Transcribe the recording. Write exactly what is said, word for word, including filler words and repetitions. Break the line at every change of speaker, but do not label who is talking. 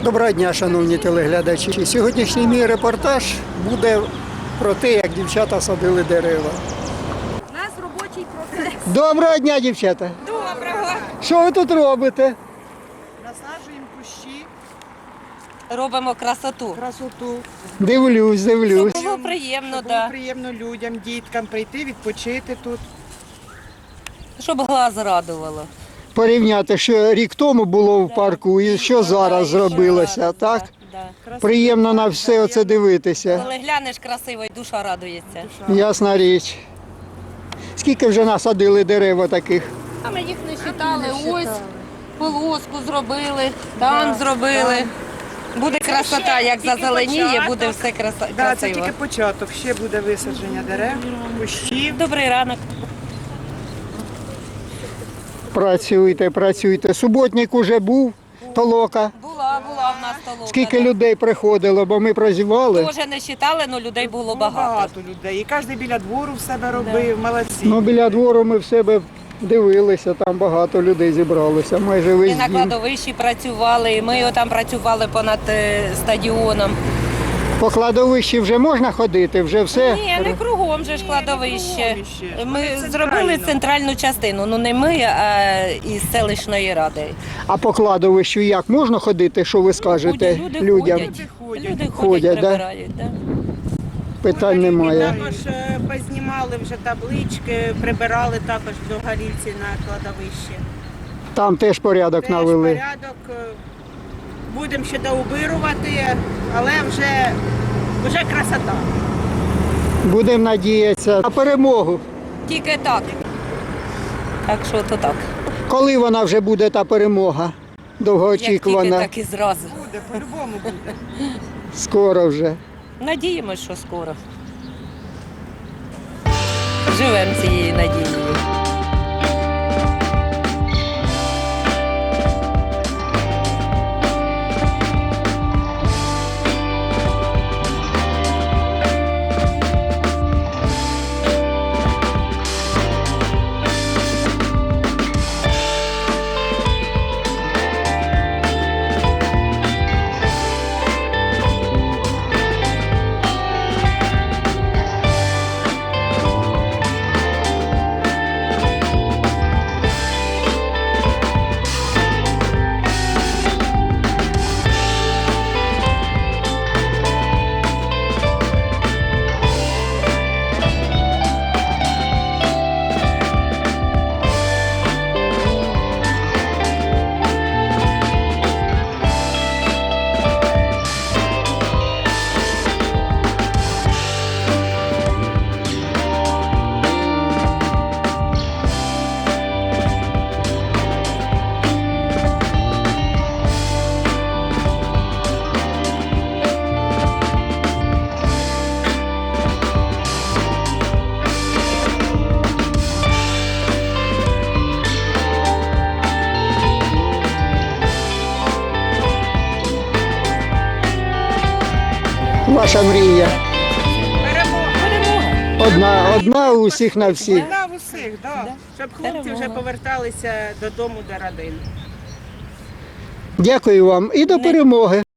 Доброго дня, шановні телеглядачі. Сьогоднішній мій репортаж буде про те, як дівчата садили дерева.
У нас робочий процес.
Доброго дня, дівчата!
Доброго.
Що ви тут робите?
Насаджуємо кущі,
Робимо красоту.
красоту.
Дивлюсь, дивлюсь.
Було приємно,
Щоб
да.
було приємно людям, діткам прийти, відпочити тут.
Щоб глаз радувало.
Порівняти, що рік тому було в парку і що зараз зробилося, так?
Да, да.
Приємно на все оце дивитися.
Коли глянеш красиво, і душа радується.
Ясна річ. Скільки вже насадили дерева таких?
А ми їх не вважали. Ось полоску зробили, там зробили. Буде красота, як
тільки
зазеленіє,
початок.
буде все краса-
Да, це
красиво.
тільки початок, ще буде висадження дерев, кущів.
Добрий ранок.
Працюйте, працюйте. Суботник уже був, толока.
Була, була в нас толока.
Скільки людей приходило, бо ми прозівали.
Теж не вважали, але людей було
Було
багато.
багато людей. І кожен біля двору в себе робив, молодці.
Ну, біля двору ми в себе дивилися, там багато людей зібралося, майже
І
весь
на
дім.
кладовищі працювали, і ми там працювали понад е, стадіоном.
По кладовищі вже можна ходити, вже все.
Ні, не кругом же ж
Ні,
кладовище.
не кругом іще.
Ми
Вони
зробили
центрально.
центральну частину. Ну не ми, а із селищної ради.
А по кладовищу як можна ходити, що ви скажете
Люди
людям?
ходять,
Люди ходять.
люди ходять,
Ходять, да?
прибирають. Да?
Питань немає.
Також е, познімали вже таблички, прибирали також до горільці на кладовище.
Там теж порядок
Теж
навели.
порядок. е, Будемо ще доубирувати, але вже, вже красота.
Будемо надіятися на перемогу.
Тільки так. Так що то так.
Коли вона вже буде та перемога?
Як тільки,
Довгоочікувана.
так і зразу.
Буде, по-любому буде.
Скоро вже.
Надіємось, що скоро. Живемо цією надією.
Ваша мрія.
Перемога!
Одна, одна у всіх на всіх.
Вона в усіх, да. Щоб хлопці вже
Перемога.
поверталися додому до родини.
Дякую вам і до перемоги.